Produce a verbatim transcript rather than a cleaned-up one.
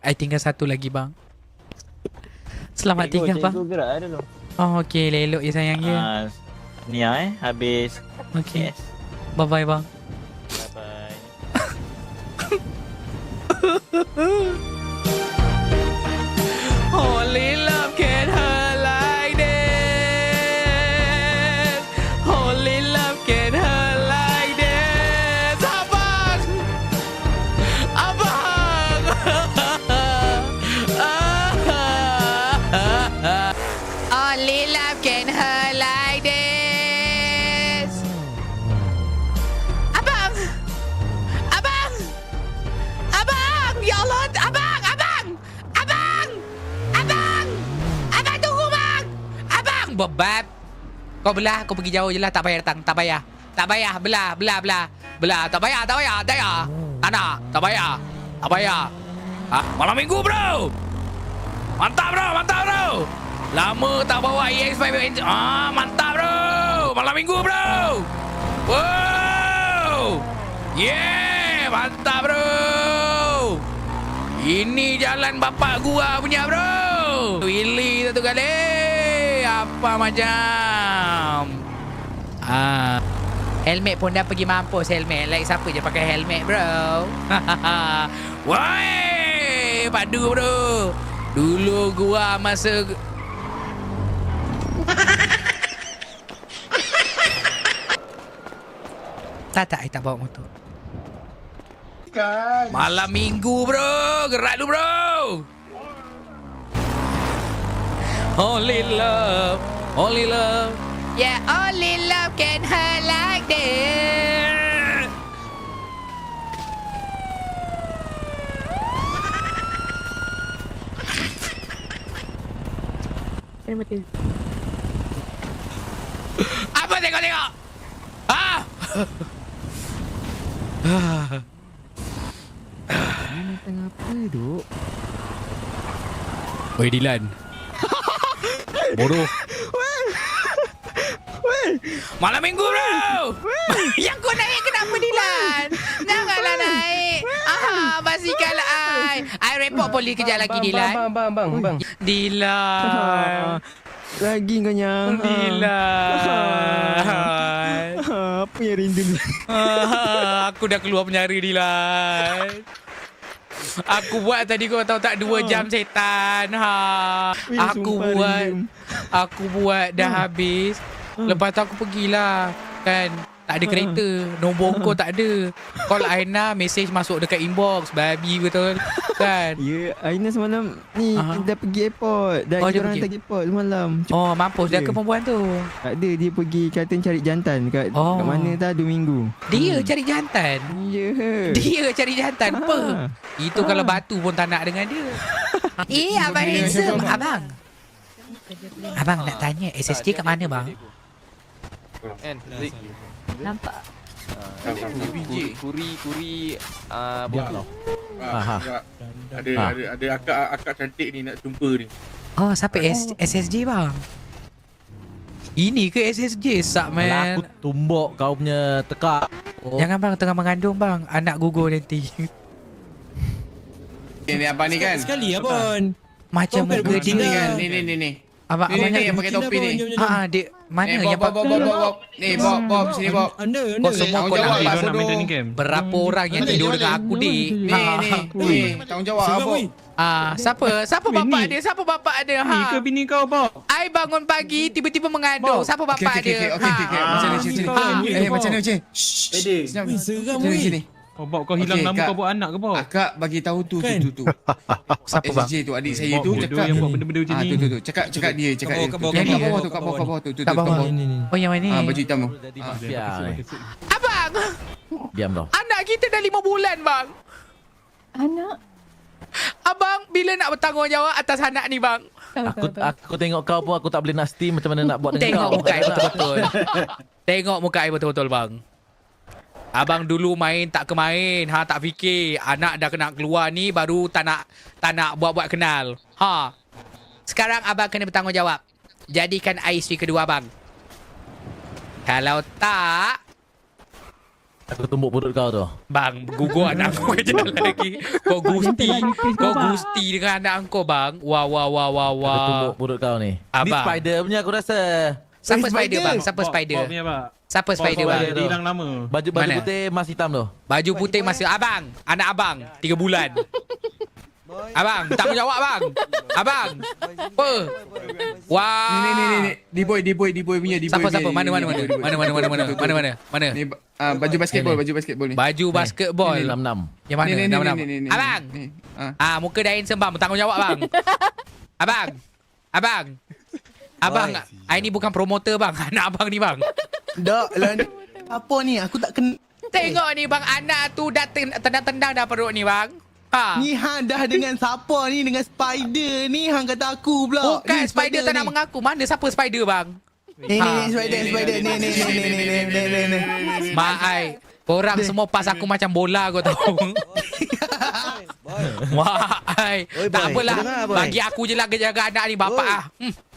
I tinggal satu lagi bang. Selamat Cikgu, tinggal bang. Cikgu gerak ada dulu. Oh okey, elok ya sayang ya. Ah, ni ah, eh habis. Okey. Yes. Bye bye bang. Bye bye. Only love can hurt like this. Only love can hurt like this. Abang! Abang! Only love can hurt like this. Abang! Abang! Abang! Ya Allah! Abang! Abang! Abang! Abang! Abang tunggu bang! Abang! Bebab! Kau belah, kau pergi jauh je lah. Tak payah datang, tak payah. Tak payah, belah, belah, belah. Belah, tak payah, tak payah, tak payah. Tak nak, tak payah. Tak payah. Ha? Malam minggu bro! Mantap bro, mantap bro! Lama tak bawa E X lima engine. Ah, mantap bro! Malam minggu bro! Wow! Yeah! Mantap bro! Ini jalan bapak gua punya bro. Willy satu kali. Apa macam? Ah. Helmet pun dah pergi mampus helmet. Like siapa je pakai helmet bro. Woi, padu bro. Dulu gua masa Tak tak, I tak bawa motor. Malam minggu bro. Gerak dulu bro. Only love, only love. Yeah, only love can hurt like this. Kena mati. Apa tengok-tengok? Ah! Mana tengah apa duk? Oi Dilan. Bodoh. Malam minggu bro. Yang kau naik kenapa Dilan? Janganlah naik. Aha, basikal ai. Ai report polis kejap lagi Dilan. Bang, bang, bang, bang. Dilan. Lagi kau nyang. Dilan. Apa yang rindu? Ah, aku dah keluar penyara Dilan. Aku buat tadi kau tahu tak dua jam setan. Ha. Weh, Aku sumpah buat rindu. aku buat dah habis. Lepas tu aku pergilah. Kan tak ada kereta. Nombor kau tak ada. Call Aina, message masuk dekat inbox. Babi betul. Kan? Ya, Aina semalam ni Aha. dah pergi airport. Dah Oh, dia kita orang pergi. hantar airport semalam. Oh, mampus dah Ya. ke perempuan tu. Tak ada, dia pergi kata cari jantan kat, Oh. kat mana tak dua minggu. Dia cari jantan. Ya. Dia cari jantan. Apa? Ah. Itu kalau batu pun tak nak dengan dia. Eh, abang handsome. Abang. Abang nak tanya S S J kat mana bang? Kan, Zik. Nampak? Kuri, kuri, kuri, ah, botol. Ah, ada ada ada akak akak cantik ni nak jumpa ni. Oh, siapa S SSJ bang? Ini ke S S J? Sak Kalau aku man. tumbuk kau punya tekak. Oh. Jangan bang, tengah mengandung bang. Anak gugur nanti. Ini apa ni kan? Sekali abang. Macam Kau kan muka kucing dia. kan? Ni ni ni ni. Abang, Ni abang ni nak... yang pakai topi ni. Ha, dia mana Ni yang Bob Bob Bob Bob Bob. Ni Bob Bob sini Bob. Anda, anda. Kau semua kau nak Tanggungjawab ambil lah, bodoh. berapa orang yang tidur dengan aku dik? Ni Ha. ni ni tanggungjawab Sebab, apa? weh. Ah, siapa? Siapa bapak dia? Siapa bapak dia? Ha. Ni ke bini kau, Bob? I bangun pagi tiba-tiba mengandung. Siapa Okey bapak okey okey dia? okey okey. Ha. Macam ni sini sini. Ah, Eh macam ni macam ni. Pede. Weh, seram, Sini weh. sini. Oh, Bob, kau hilang Okey, nama Kak. kau buat anak ke, Bob? Akak bagi tahu tu tu Kan? tu tu. Siapa bang? S J tu adik saya Bob tu bodoh cakap. yang buat benda-benda macam Ah ni. tu tu tu. Cakap cakap dia cakap Kat dia. bawah, kat tu. bawah, Yang kat kat bawah bawah, tu kat bawah kat bawah tu tu tu. Kat bawah. kat Ni, ni, ni. Oh, yang mana? Ah baju hitam tu. Jadi Ah. mafia ni. Abang, Diam kau. anak kita dah lima bulan bang. Anak? Abang, bila nak bertanggungjawab atas anak ni bang? Aku aku tengok kau pun aku tak boleh nasty macam mana nak buat dengan Tengok kau. muka I betul-betul. Tengok muka I betul-betul bang. Abang dulu main tak ke main. Ha, tak fikir. Anak dah kena keluar ni baru tak nak tak nak buat-buat kenal. Ha. Sekarang abang kena bertanggungjawab. Jadikan I isteri kedua abang. Kalau tak, Aku tumbuk perut kau tu. Bang, gugur anak aku ke jalan lagi. Kau gusti. Kau gusti dengan anak kau, bang. Wah, wah, wah, wah, Aku wah. tumbuk perut kau ni. Ni Abang. spider punya aku rasa. Siapa spider, bang? Siapa Bawa- spider? bawa punya, Pak. Siapa spider, Bawa- bang? bawa, Dia hilang lama. Baju baju Mana? putih mas hitam tu. Baju putih masih abang. Anak abang. Tiga bulan. Abang, tanggungjawab bang. Abang. Apa? Wah. Ni ni ni ni, ni. D-boy D-boy D-boy punya D-boy. Siapa punya, siapa? ni, Mana ni, mana ni, mana? D-boy, Mana mana mana mana? betul, Mana betul. mana? Mana? Ni ah, baju basketball, baju basketball ni. Baju basketball. enam enam. Yang mana? Ni, ni, ni, Nama-nama. ni, ni, ni, Abang. ni. Ah. Ah, muka dah handsome bang. Bertanggungjawab bang. Abang. Abang. Abang, I ni bukan promoter bang. Anak abang ni bang. Dak lah ni. Apa ni? Aku tak kena. Tengok ni bang, anak tu dah ten- tendang-tendang dah perut ni bang. Ha. Ni hang dah dengan siapa ni? Dengan spider ni hang kata aku pula. Bukan Ni spider tak ni. nak mengaku. Mana siapa spider bang? Ni ni Ha. ni spider spider ni ni ni ni ni ni ni ni ni. Mak ai, korang semua pas aku macam bola kau tahu. Mak ai, tak boy, apalah. dengar, boy. Bagi aku je lah jaga anak ni bapak ah. Hmm.